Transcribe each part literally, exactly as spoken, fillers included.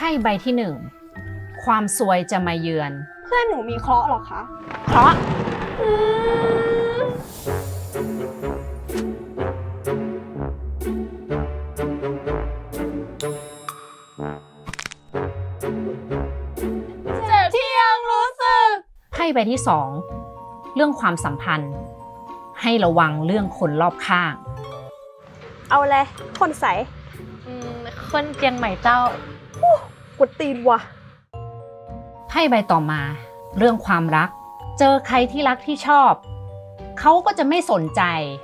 พ่ใบที่หนึ่งความซวยจะมาเยือนเพื่อนหนูมีเคราะห์เหรอคะเพราะเจ็บที่ยังรู้สึกไพ่ใบที่สองเรื่องความสัมพันธ์ ให้ระวังเรื่องคนรอบข้างเอาเลยคนใสอืมคนเจียงใหม่เจ้ากุดตีนว่ะไพ่ใบต่อมาเรื่องความรัก เจอใครที่รักที่ชอบ เขาก็จะไม่สนใจ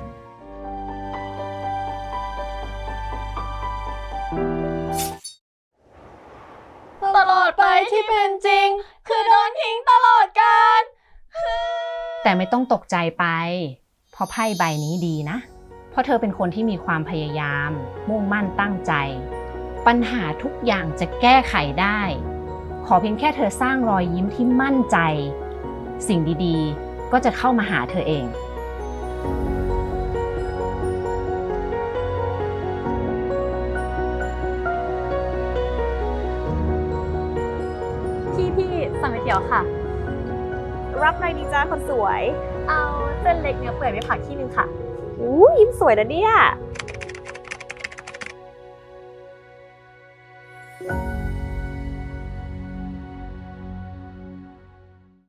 ตลอดไปที่เป็นจริง คือโดนทิ้งตลอดกาลแต่ไม่ต้องตกใจไป เพราะไพ่ใบนี้ดีนะ เพราะเธอเป็นคนที่มีความพยายาม มุ่งมั่นตั้งใจ ปัญหาทุกอย่างจะแก้ไขได้ ขอเพียงแค่เธอสร้างรอยยิ้มที่มั่นใจ สิ่งดีๆ ก็จะเข้ามาหาเธอเองพี่พี่สั่งก๋วยเตี๋ยวค่ะรับอะไรดีจ้าคนสวยเอาเส้นเล็กเนื้อเปื่อยไม่ผักที่นึงค่ะอู้ยิ้มสวยนะเนี่ย